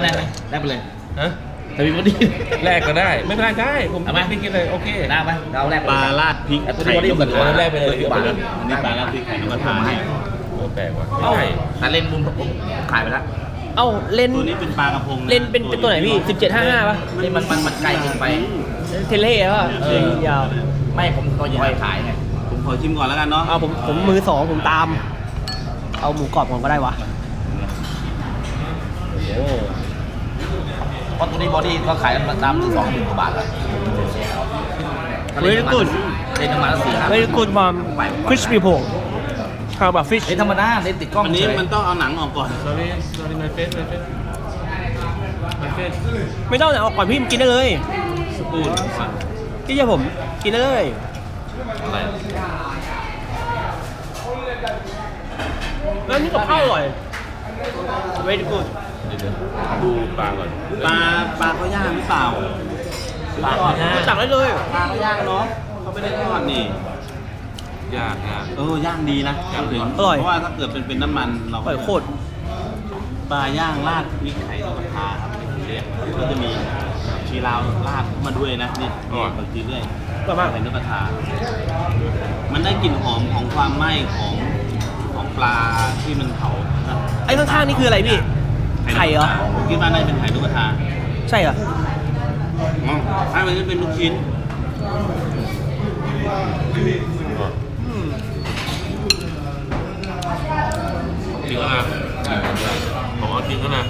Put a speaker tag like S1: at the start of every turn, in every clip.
S1: ได้ไหมได้ไปเลย
S2: ฮะ
S1: แต่มีบอดี้
S2: แรกก็ได้ไม่เป็นไรได้ผม
S1: เอาไหม
S2: ไม่กินเลยโอเค
S1: ได้ไหมเราแรก
S3: ปลาราดพริก
S1: แต่ตัวนี้บอดี้
S3: ไข่
S1: กัน
S2: แรกไปเลย
S1: บาท
S3: อันนี้ปลาราดพริกไข่นกกระทาให้
S2: แปลกว่ะ
S1: เอ้า
S2: ใช่
S1: แต่เล่นบุญผมขายไปแล้ว
S4: เอ้าเล่น
S3: ตัวนี้เป็นปลากระพงะ
S4: เล่นเป็นตัวไหนพี่1755ป่ะ
S1: นี่มันไกลเกินไป
S4: เทเล่ป่ะยาว
S1: ไม่ผมตัวใหญ่ขายไง
S3: ผมขอชิมก่อนแล้วกันเนาะ
S4: เอาผมมือสองผมตาม เอาหมูกรอบก่อนก็ได้วะ
S2: โอ้
S1: เพราะตัวนี้บอดี้ก็ขายกันตามที่20,000 กว่าบาทแล้ว
S4: Very good
S1: เล่นประมาณ4-5
S4: Very good mom crispy pork how about fish
S1: เล่นธรรมดาเล่นติดกล้อง
S3: อันนี้
S1: เฉย
S3: มันต้องเอาหนังออกก่อน
S2: sorry sorry my face my face my face
S4: ไม่ต้องเอาก่อนพี่กินได้เลย
S3: สปูน
S4: พี่เชื่อผมกินได้เลย
S1: อะไร
S4: แล้วนี่กับข้าวอร่อย Very good
S2: เดี๋ยวดูปลาก่อน
S3: ปลาเขาย่างหรือเปล่า
S2: ปลาย่าง
S4: สั่งได้เลย
S3: ปลาเขาย่างเนาะเขาไม่ได้ทอดนี่
S2: ย่างย่าง
S3: ย่างดีนะ
S2: ย่างดี
S4: อร่อย
S3: เพราะว่าถ้าเกิดเป็นน้ำมันเรา
S4: อร่อยโคตร
S3: ปลาย่างราดพริกไข่นกกระทาครับเรียกก็จะมีชีลาวราดเข้ามาด้วยนะนี่บางทีเรื่อย
S4: อร่อยมาก
S3: ไข่นกกระทา มันได้กลิ่นหอมของความไหม้ของปลาที่มันเผานะ
S4: ไอ้ข้างๆนี่คืออะไรพี่ ไข่เหรอ
S3: ผมคิดว่าน่าจะเป็นไข่นกกระทา
S4: ใช่เหรอ
S3: ถ้ามันจะเป็นลูกชิ้น
S2: จริงก็นะผมเอาจริงก็นะ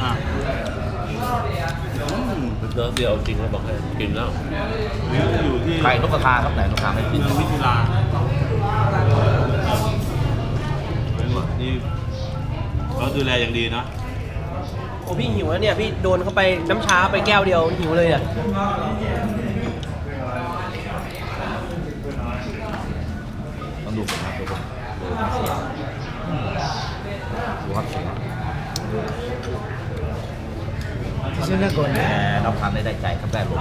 S2: เดี๋ยวเอาจริงแล้วบอกให้กินแล้ว
S3: อยู่ที่
S1: ไข่นกกระทาครับไหนนกกระทาไม่กิ
S3: เมื
S1: น
S3: องวิทยานี่เขาดูแลอย่างดีเนาะ
S4: โอ้พี่หิวแล้วเนี่ยพี่โดนเข้าไปน้ำชาไปแก้วเดียวหิวเลยเนี่ย
S1: ต้องดูผมครับดูผมดูครับเสียงรับทานได้ใจครับได้ลม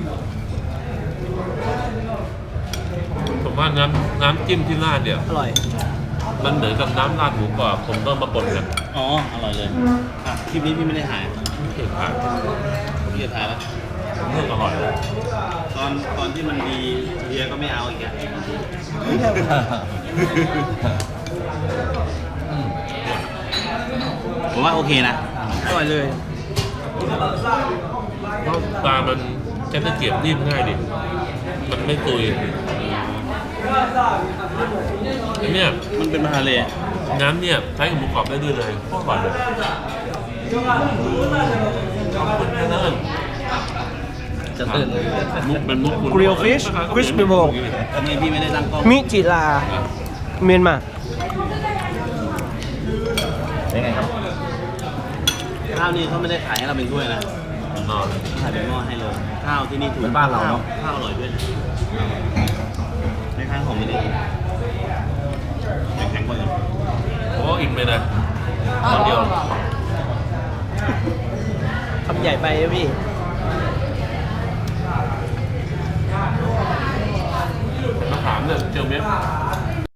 S2: ผมว่าน้ำจิ้มที่ราดเนี่ย
S4: อร่อย
S2: มันเหมือนกับน้ำราดหมูกรอบผมต้องมาปนกัน
S3: อ๋อ อร่อยเลยคลิปนี้พี่ไม่ได้ถ่าย
S2: ไม่เคยผ่าน
S3: พี่จะถ่ายแล้ว
S2: เรื่องอร่อยเลย
S3: ตอนที่มันดีเฮียก็ไม่เอาอีกอ่ะผมว่าโอเคนะ
S4: อร่อยเลย
S2: เพราะปลามันใช้ตะเกียบนิ่มง่ายดิมันไม่ตุยอันเนี้ย
S3: มันเป็นปลาทะเลอะ
S2: น้ำเนี่ยใช้กับหมูกรอบได้ด้วยเลยโคตรอร่อยเลยขอบคุณนะเนิ่น
S1: จะตื่น
S2: มุกเป็นมุกคุณ
S4: Grill fish crispy pork
S3: อันนี้พี่ไม่ได้ตั้งกล้อง
S4: มิจิลาเมียนมา
S1: เป็นไงครับ
S3: ข้าวนี่เขาไม่ได้ขายให้เราเป็นถ้วยนะ
S2: นอน
S3: ขายเป็นหม้อให้เลย ข้าวที่นี่ถูก
S1: เป็นบ้านเราเนอะ
S3: ข้าวอร่อยด้วยนะไม่ค้างของไม่ได้แข็งกว่ากัน
S2: โอ้อิ่มเลยนะตอนเดียว
S4: คำใหญ่ไปนะพี่
S2: มะขามเนี่ยเจียวเม็ด